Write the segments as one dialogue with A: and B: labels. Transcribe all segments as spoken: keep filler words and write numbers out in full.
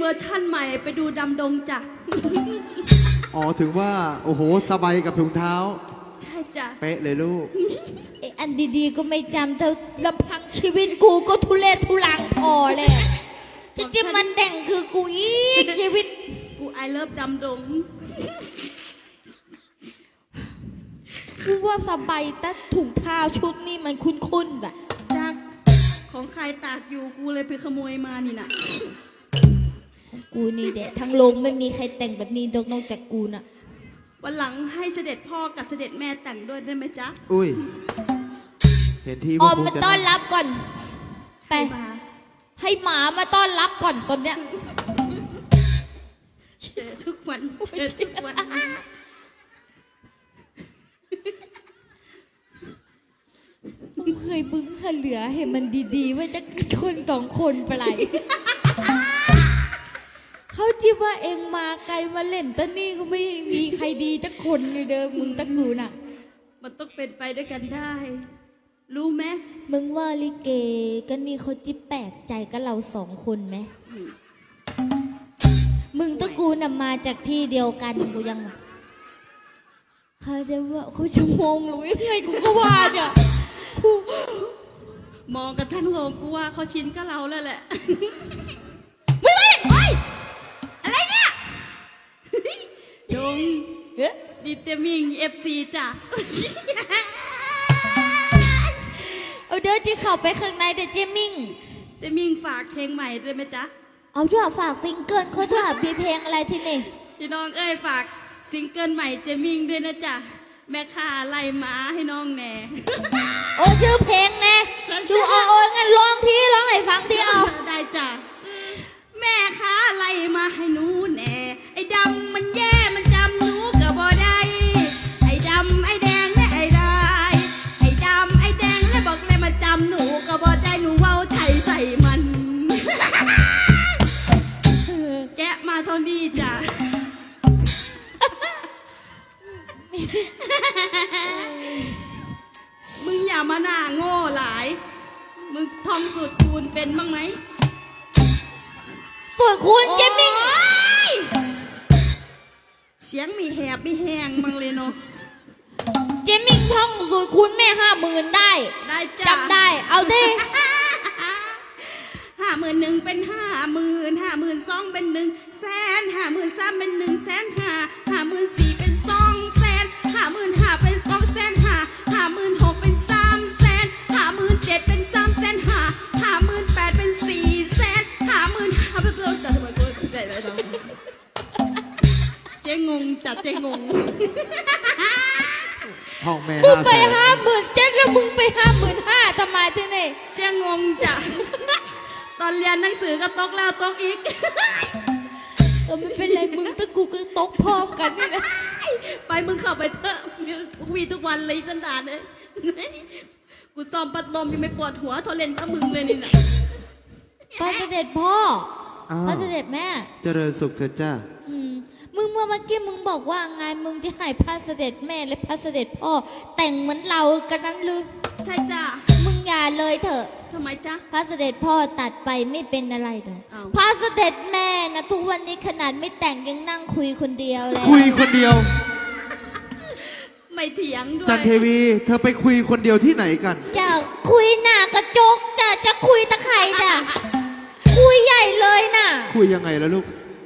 A: วอร์ชั่นใหม่ไปดูดำดงจ้ะ
B: อ๋อถึงว่าโอ้โหสบายกับถุงเท้า
A: ใช่จ้ะ
B: เป๊ะเลยลูก
C: ไอ้อันดีๆก็ไม่จำเธอลำพังชีวิตกูก็ทุเรศทุลังพอเลยจะจะมันแต่งคือกูอีกชีวิต
A: กูไอเลิฟดำดง
C: กูว่าสบายแต่ถุงเท้าชุดนี้มันคุ้นๆแบบ
A: จากของใครตากอยู่กูเลยไปขโมยมานี่นะ
C: กูนี่แหละทั้งโลกไม่มีใครแต่งแบบนี้นอกจากกูน่ะ
A: วันหลังให้เสด็จพ่อกับเสด็จแม่แต่งด้วยได้ไหมจ๊ะ
B: อุ้ยเห็นที่
C: ออ
B: ว่าม คง
C: มา
B: จะ
C: ต้อนรับก่อนไป
A: มา
C: ให้หมามาต้อนรับก่อนตอนเนี้ย
A: เจอทุกวันเจอทุกวัน
C: กูเคยบึ้งขเหลือเห็นมันดีๆ ว่าจะคนสองคนไปไหน เขาจิบว่าเองมาไกลมาเล่นตอนนี้ก็ไม่มีใครดีจักคนเลยเด้อมึงตะกูน่ะ
A: มันต้องเป็นไปด้วยกันได้ รู้ไหม
C: มึงว่าลิเกก็นี่เขาจิบแปลกใจกับเราสองคนไหมมึงตะกูน่ะมาจากที่เดียวกันกูยังเขาจะว่าเขาจะมองหรือไม่ไงกูก็ว่าเนี่ยกู
A: มองกันทั้งโรงกูว่าเขาชินกับเราแล้วแหละ
C: ไม่ไม่เฮ้ยอะไรเนี่ย
A: ดง
C: เอ๊ะ
A: ดีเตมิงเอฟซีจ้ะ
C: เอาเดินจีเข้าไปข้างในเดี๋ยวเจมิ่ง
A: เตมิงฝากเพลงใหม่ด้วยไหมจ๊ะ
C: เอาด้วยฝากซิงเกิลเขาด้วยมีเพลงอะไรที่นี่
A: พี่น้องเอ้ยฝากซิงเกิลใหม่เจมิงด้วยนะจ๊ะแม่ค้าไล่หมาให้น้องแหน่
C: โอ้ชื่อเพลงไงชูเอาโอ้งั้นร้องทีร้องให้ฟังทีเอา
A: ได้จ้ะแม่ค้าไล่มาให้หนูแหน่ไอ้ดำมันแย่มันจำหนูก็บ่ได้ไอ้ดำไอ้แดงและไอ้ได้ไอ้ดำไอ้แดงและบอกเลยมาจำหนูก็บ่ได้หนูเว้าไทยใส่มัน แกะมาเท่านี้จ้ะ มึงอย่ามาหน้าโง่หลาย มึงท่องสูตรคูณเป็นบ้างไหม
C: สวยคุณเจมิ่ง
A: โอ๊ยเสียงมีแหบมีแหงมังเลยเนาะ
C: เจมิ่งท่องสวยคุณแม่ห้าหมื่นได้
A: ได้จ้ะ
C: จำได้เอาดิ
A: ห้าหมื่นหนึ่งเป็นห้าหมื่นห้าหมื่นสองเป็นหนึ่งแสนห้าหมื่นสามเป็นหนึ่งแสนห้าห้าหมื่นสี่เป็นสองแสนห้าหมื่นห้าเป็นสองแสนห้าห้าหมื่นหกเป็นสามแสนห้าหมื่นเจ็ดเป็นสามแสนห้าห้าหมื่นแปดเป็นสี่แสนห้าหมื่นห้าเป็นเลิศแต่ทำไมกูเจ๊เจ๊งงจัดเจ๊งง
B: ห้องแม่
C: กู
B: ห้า
C: ไป
B: แสน
C: ห้าหมื่นเจ็ดแล้วมึงไปห้าหมื่นห้าทำไมที่นี่
A: เจ๊งงจ้ะ ตอนเรียนหนังสือก็ตกแล้วตกอีก
C: เออไม่เป็นไรมึงตะกูก็ตกพร้อมกันนี่นะ
A: ไปมึงเข้าไปเถอะทุกวีทุกวันเลยสันดานเลย กูซ้อมปัดลมยังไม่ปวดหัวทอเล่นกับมึงเลยนี่นะ
C: พระเสด็จพ่อ
B: อ้าว
C: พระเสด็จแม่
B: เจริญสุขเถิดจ้า
C: อืมมึงเมื่อเมื่อกี้มึงบอกว่าไงมึงจะให้พระเสด็จแม่และพระเสด็จพ่อแต่งเหมือนเรากันนั้นหรือ
A: ใช่จ้ะ
C: มึงอย่าเลยเถอะ
A: ทำไมจ๊ะ
C: พระเสด็จพ่อตัดไปไม่เป็นอะไรเลย
A: อ้าว
C: พระเสด็จแม่นะทุกวันนี้ขนาดไม่แต่งยังนั่งคุยคนเดียวเลย
B: คุยคนเดียว
A: ไม่เถียงด้วย
B: จันเทวี เธอไปคุยคนเดียวที่ไหนกัน
C: จะคุยหน้ากระจกจะจะคุยตะไคร่จ้ะคุยใหญ่เลยน่ะ
B: คุยยังไงล่ะลูก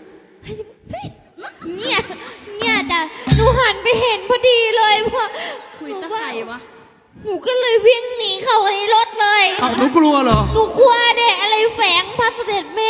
C: เนี่ยเนี่ยจ้ะหนูหันไปเห็นพอดีเลยเพราะ
A: คุยตะไคร่วะ
C: หนูก็เลยวิ่งหนีเข้าในรถเลย
B: เอ้าหนูกลัวเหรอ
C: หนูกลัวเด็กอะไรแฝงพระเสด็จแม่